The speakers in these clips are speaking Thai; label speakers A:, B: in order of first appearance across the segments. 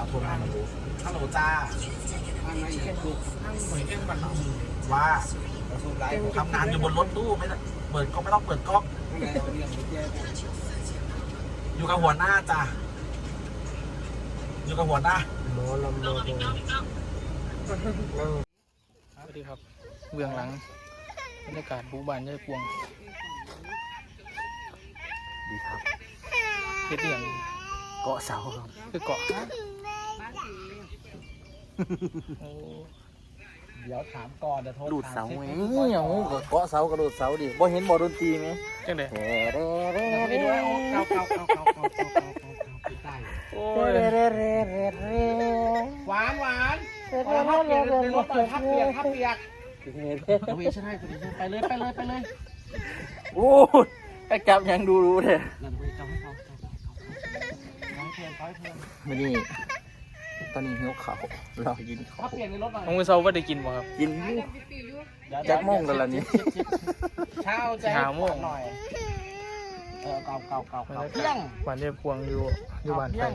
A: โทรมาฮัลโหลจ้าทางไหนแค่ดูทางหน่วยแค่บันว่าทำงานอยู่บนรถตู้ไม่เปิดก็ไม่ต้องเปิดก๊อกอยู่กับหัวหน้าจ้าอยู่กับหัวหน้าโมลำโมโ
B: สวัสดีครับเบื้องหลังบรรยากาศบูบานยายพวง
A: ดีครับ
B: เฮ็ดอย่าง
A: เกาะเสาครับ
B: คือเกาะ
A: เดี๋ยวถามก่อนเดี๋ยวโทร
C: ดูดเสาไหมอย่างงูเกาะเสากระโดดเสาดิบ่เห็นบ่ดนตรีไหม
B: จังได๋
A: ไปด้วยเก่าโอ้ยหวานทับเปียกเป็นรถทับเปียกเอาอีกใช่ไหมไปเลย
C: โอ้ยไอ้จับยังดูรู้เลยไม่นี่ตอนนี้หิวข้าวรอกินข้าว
A: เปลี่ยนในรถหน่อย
B: ของมื้อเช้าบ่ได้กินบ่ครับ
C: กินจักโมงกันละนี่
A: เช้าใจหน่อยเก่าเที่ยง
B: บ้านยายพวงอยู่บ้านไผ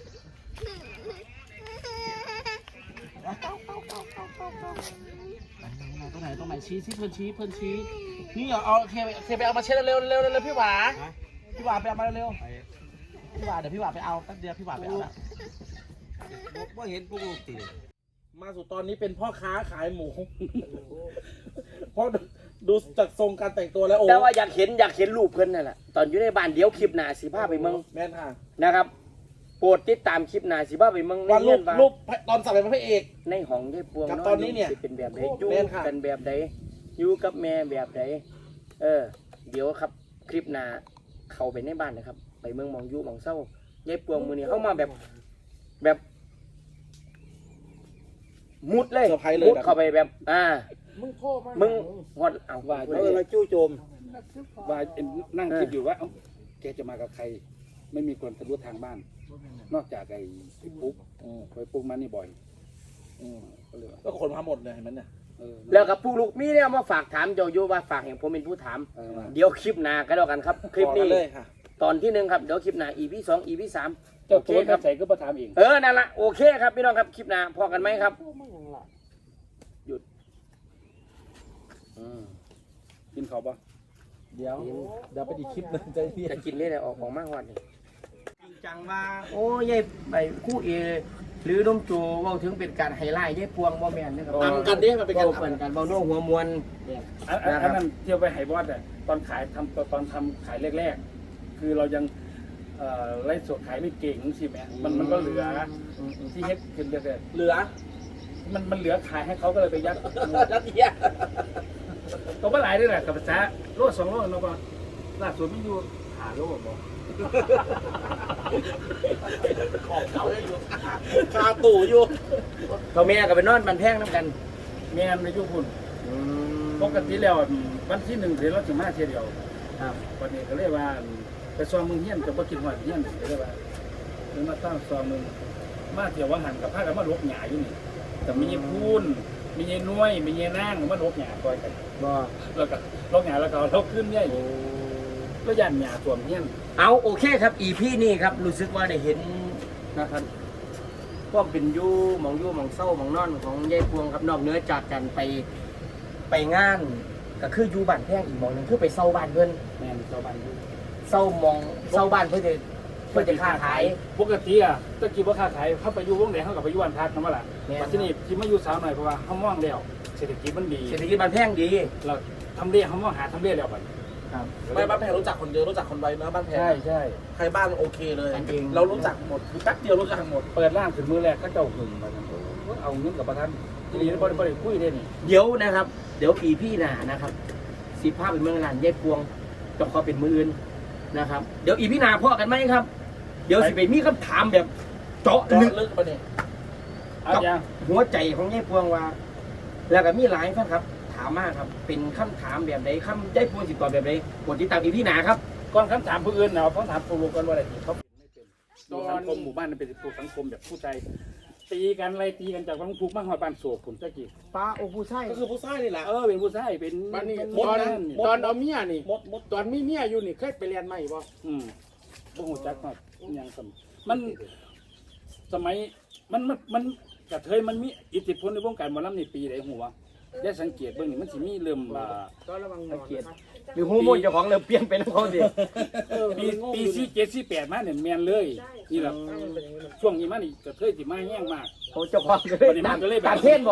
A: ตรงไหนชี้เพื่อนชี้นี่เอาเคไปเอามาเช็ดเร็วพี่หวาไปเอามาเร็วพี่หวาเดี๋ยวพี่หวาไปเอาแป๊บเดียวพี่หวาไปเอาละว่าเห็นปุ๊บตีมาสู่ตอนนี้เป็นพ่อค้าขายหมูเพราะดูจากทรงการแต่งตัวแล้วโอ้
C: แต่ว่าอยากเห็นรูปเพิ่นนั่นแหละตอนอยู่ในบ้านเดี๋ยวคลิปหน้าสิพาไปเมือง
A: แม่นค่ะ
C: นะครับโปรดติดตามคลิปหน้าสิพาไปเมือง
A: ว่ารูปตอนสับเป็นพระเอก
C: ในห้องยายพวง
A: กับตอนนี้เนี่ย
C: เป็นแบบไหนอยู่กันแบบไหนอยู่กับแม่แบบไหนเดี๋ยวครับคลิปหน้าเข้าไปในบ้านนะครับไปเมืองมองอยู่มองเศร้ายายพวงมื้อนี้เข้ามาแบบมุดเลยมุดเข้าไปแบบมึงหดเอา
D: ว่าเราจู่โจมว่านั่งคิดอยู่ว่าแกจะมากับใครไม่มีคนทะลุทางบ้านนอกจากไอ้ปุ๊กไปปุ๊กมานี่บ่อย
A: ก็คนมาหมดเลยเห็นไหมเนี่ย
C: แล้วกับผู้ลูกมีเนี่ยมาฝากถามโยโย่ว่าฝากอย่างผมเป็นผู้ถามเดี๋ยวคลิปหน้าก็แล้วกันครับคลิปนี้ตอนที่1ครับเดี๋ยวคลิปหน้า EP 2 EP 3
D: เจ้าตัวใส่ก็มาถามเอง
C: นั่นละโอเคครับพี่น้องครับคลิปหน้าพอกันไหมครับหยุด
D: กินข้าวปะ
A: เดี๋ยวไปอีกคลิปนึง
C: จะกินเรื่อยๆออกมากกว่านี้
A: จริงจังว่า
C: โอ้ยายไปคู่เอหรือน้มโจว่าถึงเป็นการไฮไลท์ยายพวงบ่แม่นนะครับ
A: ทำกันดิมันเป็นการ
C: ทำกันเบาโน้หัวมวล
D: อันนั้นเที่ยวไปไฮบอสเนี่ยตอนทำขายแรกๆคือเรายังไล่สดขายไม่เก่งใช่ไหมมันก็เหลือที่เฮ็ดขึ้นเรื่อย
A: เหลือ
D: มันเหลือขายให้เขาก็เลยไปยัด
A: เทีย
D: ตัวก็หลายด้วยแหละกับภาษาโลด2 โลเนาะป่ะล่าสุดไม่อยู่หาโลบ่
A: ของเก่าอยู่คาตู่อยู่
C: เขาแม่กับไปนอนบันแพงน้ำกัน
D: แม่ในยุคคุณปกติแล้ววันที่1เดือนเราจะมาเที่ยวเดียววันนี้ก็เรียกว่าไปซ้อมมึงเฮี้ยนจะบ่กินหอยเฮี้ยนเรียกว่าหรือมาตั้งซ้อมมึงมาเที่ยวว่าหันกับพากันมาลบหญ้าอยู่นี่แต่มีพูนมีเงี้ยน้อยมีเงี้ยนั่งมาลบหญ้าก่อยกันแล้วก็ลบหญ้าแล้วก็ลบขึ้นเนี่ยก็ยันหญ้าส่วนเฮี้ยน
C: เอาโอเคครับEPนี่ครับรู้สึกว่าได้เห็นนะครับก็เป็นยู่มองเศร้ามองนอนของยายพวงครับนอกเหนือจากกันไปงานก็คืออยู่บ้านแพงอีกมองนึงคือไปเศร้าบ้านเพื่อน
D: แม่เศร้าบ้าน
C: เศร้าบ้านเพื่อจะค้าขาย
D: ปกติตะกี้ว่าค้าขายเข้าไปอยู่วงไหนเข้ากับไปอยู่วันพักนั่นว่าล่ะมาที่นี่ที่มาอยู่สาวหน่อยเพราะว่าเขาว่างแล้วเศรษฐกิจมันดี
C: เศรษฐกิจบ้านแพงดี
D: เราทำเรียเขาว่างหาทำเรียแล้วไป
A: ไม่บ้านแพงรู้จักคนเยอะรู้จักคนไวนะบ้านแพง
D: ใช่
A: ใครบ้านโอเคเลยเรารู้จักหมดแป๊บเดียวรู้จักหมด
D: เปิดร้านถึงมือแรกก็เจ้าหึงมาเอาเงินกับประธานทีนี้บริคุยได้นี่
C: เดี๋ยวนะครับเดี๋ยวพี่หนานะครับ15เป็นเมืองร้านยายพวงจะขอเป็นมืออื่นนะครับเดี๋ยวพี่หนาพ่อกันไหมครับเดี๋ยวสิไปมีคำถามแบบเจาะลึก
A: ประเด็น
C: กับหัวใจของยายพวงว่าแล้วก็มีหลายท่านครับถามมากครับเป็นคำถามแบบไหนคำยายพวงสิตอบแบบไหนกดติดตามพี่หนาครับ
D: ก่อนคำถามผู้อื่นเนาะเขาถามผู้รู้กันว่าอะไรเขาไม่เป็นสังคมหมู่บ้านเป็นสังคมแบบผู้ใจตีกันอะไรตีกันจากบางภูบ้างหอยบ้านโศกผมตะกี้
C: ป้าโอ้ผู้ชาย
A: ก็คือผู้ชายนี่แหละ
D: เป็นผู้ชายเป็น
B: บ้านนี้ตอนเอาเมียนี่ตอนมีเมียอยู่นี่เคยไปเรียนไหมบ่
D: บ่หูจักมากยังมันสมัยมันกระเทยมันมีอิทธิพลในวงการหมอลำในปีไหนหัวได้สังเกตเบิ่งนี่มันสิมีเริ่ม
C: สังเกตหรือฮู้มูลเจ้าของเริ่มเปลี่ยนไปแล้วเขาสิ
D: ปี47 48มาเนี่ยแม่นเลยนี่แหละช่วงนี้มันนี่กระเทยสิมาแห้งมาก
C: เขาเจ้าของก็เลยตามเทศบ่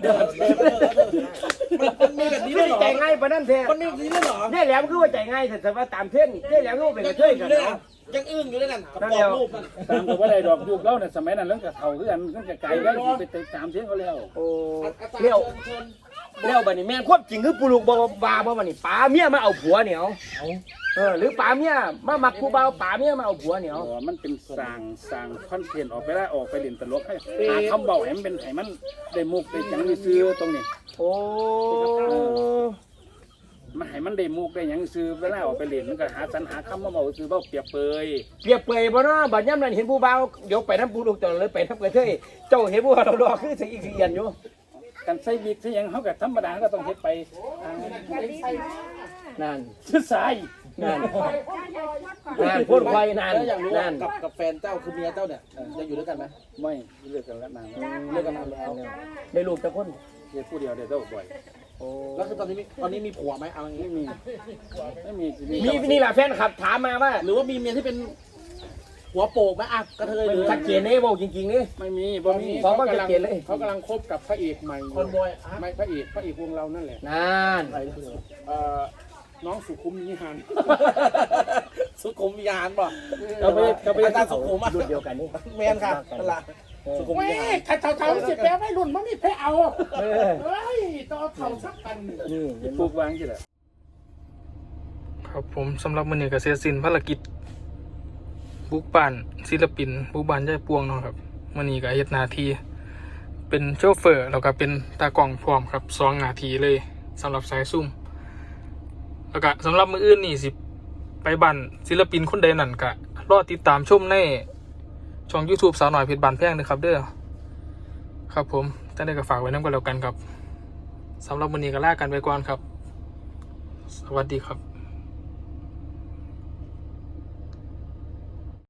A: มันมีแบบนี้
C: ไม่
A: ด้วยเหรอ
C: ใจง่ายปะนั่นเทศ
A: มันมีแบบนี้ด้วยเหรอ
C: เนี่ยแหลมคือว่าใจง่ายแต่ว่าตามเทศเนี่ยแหลมก็เป็นกระเทยกันเนาะ
A: ยังอึ้งอยู่เลยนั่นกระบอกรูปนั่น
D: ตามกับว่าได้ดอกยุคเล่าเนี่ยสมัยนั้นเรื่องกระเทาคือกันมันจะไกลได้ไปตามเสียงเขาแล้ว
C: โอ้เลี้ยวเลี้ยวบัดนี้แม่นควบจริงคือปูลูกบ่บาบ่บัดนี้ป๋าเมียมาเอาผัวเหนียวหรือป๋าเมียมามักผู้บ่าวป๋าเมียมาเอาผัวเหนียว
D: มันเป็นสร้างคอนเทนต์ออกไปได้ออกไปเล่นตลกให้หาคำเบาให้มันเป็นให้มันได้มุกได้จังได้ซื้อตรงนี้
C: โอ้
D: มันให้มันได้มุกได้หยังซื้อเวลาออกไปเล่นมันก็หาสรรหาคำมาเบาซื้อเบาเปรียบเปย
C: เปรียบเปรยบ่เนาะบัดย่ำนั้นเห็นผู้บ่าวเดี๋ยวไปน้ำปูลูกตลอดเลยไปน้ำกระเทยเจ้าเห็นผู้บ่าวดอกคือสิอีกเอียนอยู่
D: กันใส่วิกใส่หยังเขาก็ธรรมดาก็ต้องเฮ็ดไปทาง
C: นั่น
D: ซื้อสาย
C: นั่นพ่นไฟนั่น
A: แล้วอยากรู้ว่า
C: นั่น
A: กับแฟนเจ้าคือเมียเจ้าเนี่ยยังอยู่ด้วยกันไหม
D: ไม่เลิกกันแล้วนาง
A: เลิกกันนานแล้ว
C: ได้ลูกแต่คน
D: เฮ็ดผู้เดียวได้เท่าบ่อย
C: โอ้
A: แล้วคือตอนนี้มีผัวไหมเอาอย่างนี้
D: ไม่มี
C: มีนี่แหละแฟนขับถามมาว่า
A: หรือว่ามีเมียที่เป็นหัวโปกไหมอ่ะกระเทยหรือ
C: ชัดเจนเลยบอกจริงๆนี่
D: ไม่มีบ่มี
C: ของก็ชัดเจนเลย
D: เขากำลังคบกับพระเอกใหม่
A: คนบอย
D: ไม่พระเอกวงเรานั่นแหละ
C: นั่น
D: น้องสุขุมนิหาร
A: สุขุมวิญญาณป่ะ
D: เราไป
A: อาจารย์สุขุมอ่ะ
C: รุ่นเดียวกันนี่
A: แมนค่ะนั่นแหละสุขุมวิญญาณ
D: ถ้าเท่าสิแปลไม่รุ่นมันมีแพ้เอาเฮ้ยต้องเท่าสักกัน
C: นี่เห็น
D: ปลู
C: บ่
D: กวางสิแหละ
B: ครับผมสำหรับมื้อนี้ก็เสร็จสิ้นภารกิจบุกบ้านศิลปินบุกบ้านยายปวงเนาะครับมื้อนี้ก็เฮ็ดหน้าที่เป็นโชเฟอร์แล้วก็เป็นตากล้องพร้อมครับ2หน้าที่เลยสำหรับสายซุ่มแล้วก็สำหรับมื้ออื่นนี่สิไปบ้านศิลปินคนใดนั่นก็รอติดตามชมในช่อง YouTube สาวน้อยเพชรบานแพงเด้อครับเด้อครับผมแต่ได้ก็ฝากไว้นำกันแล้วกันครับสำหรับมื้อนี้ก็ลากันไปก่อนครับสวัสดีครับ